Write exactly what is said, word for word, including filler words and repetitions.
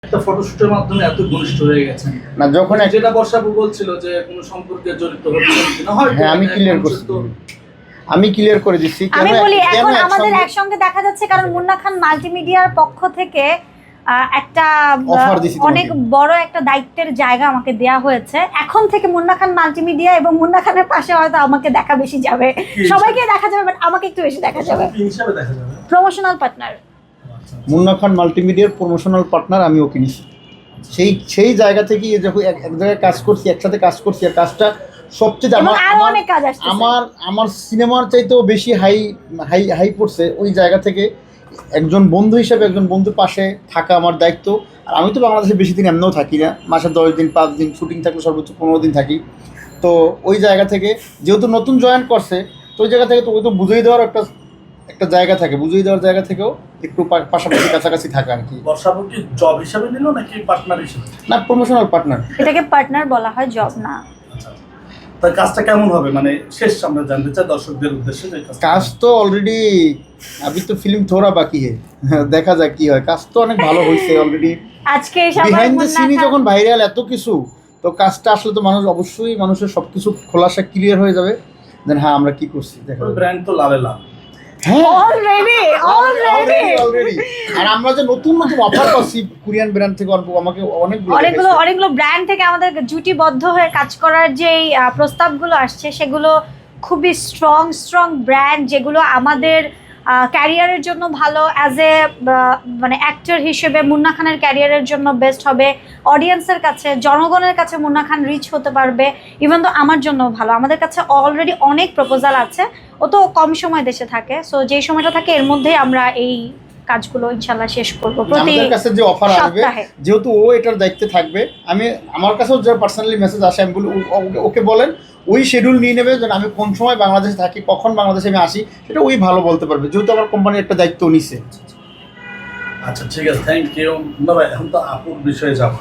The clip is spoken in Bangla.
একটা ফটোশুটের মাধ্যমে এত ঘনিষ্ঠ হয়ে গেছেন না যখন এক- যেটা বর্ষাপু বলছিল যে কোনো সম্পর্কে জড়িত হচ্ছেন কিনা হয় হ্যাঁ আমি ক্লিয়ার করছি আমি ক্লিয়ার করে দিচ্ছি কেন আমি বলি কেন এখন আমাদের একসঙ্গে- একসঙ্গে দেখা যাচ্ছে কারণ মুন্না খান মাল্টিমিডিয়ার পক্ষ থেকে আহ, একটা আহ, Offer দিছি তোমাকে। অনেক বড় একটা দায়িত্বের জায়গা আমাকে দেয়া হয়েছে। এখন থেকে মুন্না খান মাল্টিমিডিয়া এবং মুন্না খানের পাশে হয়তো আমাকে দেখা বেশি যাবে, সবাইকে দেখা যাবে বাট আমাকে একটু বেশি দেখা যাবে। কি হিসাবে দেখা যাবে? Promotional partner. মুন্না খান মাল্টিমিডিয়ার প্রমোশনাল পার্টনার আমি ওকে নিছি। সেই সেই জায়গা থেকে যখন এক এক জায়গায় কাজ করছি, একসাথে কাজ করছি, আর কাজটা সবচেয়ে এবং আমার আরো আমার- অনেক কাজ আসছে। আমার আমার সিনেমার চাইতেও বেশি হাই হাই হাই পড়ছে ওই জায়গা থেকে একজন বন্ধু হিসেবে একজন বন্ধুর পাশে থাকা আমার দায়িত্ব। আর আমি তো বাংলাদেশে বেশি দিন এমনিও থাকি না, মাসে দশ দিন পাঁচ দিন শুটিং থাকলে সর্বোচ্চ পনেরো দিন থাকি। তো ওই জায়গা থেকে যেহেতু নতুন জয়েন করছে, তো ওই জায়গা থেকে তো ওই তো বুঝিয়ে দেওয়ার একটা একটা জায়গা থাকে, বুঝিয়ে দেওয়ার জায়গা থেকেও একটু পা- পাশাপাশি কাছাকাছি থাকা আর কি। বর্ষাপু কি জব হিসাবে নিল নাকি পার্টনার হিসেবে? না, প্রমোশনাল পার্টনার। এটাকে পার্টনার বলা হয়, জব না। আচ্ছা, তাই কাজটা কেমন হবে মানে শেষ আমরা জানতে চাই দর্শকদের উদ্দেশ্যে যে কাজটা- কাজ তো অলরেডি আবি তো ফিল্ম থোড়া বাকি হে, দেখা যাক কি হয়। কাজ তো অনেক ভালো হয়েছে অলরেডি। আজকে সবার বিহাইন্ড দ্য মুন্না সিনই খান- যখন ভাইরাল এত কিছু, তো কাজটা আসলে তো মানুষ অবশ্যই মানুষের সব কিছু খোলাসা ক্লিয়ার হয়ে যাবে। দেন হ্যাঁ আমরা কি করছি দেখা যাবে। ব্র্যান্ড তো লালে লাল। হ্যাঁ অলরেডি অলরেডি অলরেডি। আর আমরা যে নতুন নতুন অফার পাচ্ছি কোরিয়ান ব্র্যান্ড থেকে অল্প আমাকে অনেকগুলো অনেকগুলো দেখাইছে। অনেকগুলো ব্র্যান্ড থেকে আমাদের জুটিবদ্ধ হয়ে কাজ করার যে প্রস্তাবগুলো আসছে সেগুলো খুবই স্ট্রং স্ট্রং ব্র্যান্ড, যেগুলো আমাদের ক্যারিয়ারের জন্য ভালো, অ্যাজ এ মানে অ্যাক্টর হিসেবে মুন্না খানের ক্যারিয়ারের জন্য বেস্ট হবে, অডিয়েন্সের কাছে জনগণের কাছে মুন্না খান রিচ হতে পারবে, ইভেন তো আমার জন্য ভালো। আমাদের কাছে অলরেডি অনেক প্রপোজাল আছে, ও তো কম সময় দেশে থাকে, সো যেই সময়টা থাকে এর মধ্যেই আমরা এই কাজগুলো ইনশাল্লাহ শেষ করবো প্রতি আমাদের কাছে যে অফার আসবে, সপ্তাহে। যেহেতু ও এটার দায়িত্বে থাকবে, আমি আমার কাছেও যে পার্সোনালি মেসেজ আসে আমি বলি ও- ও- ওকে বলেন ওই শিডিউল নিয়ে নেবে যেন আমি কোন সময় বাংলাদেশে থাকি, কখন বাংলাদেশে আমি আসি, সেটা ওই ভালো বলতে পারবে, যেহেতু আমার কোম্পানির একটা দায়িত্ব নিছে। আচ্ছা ঠিক আছে, থ্যাংক ইউ। এখন তো আপুর বিষয়ে যাবো।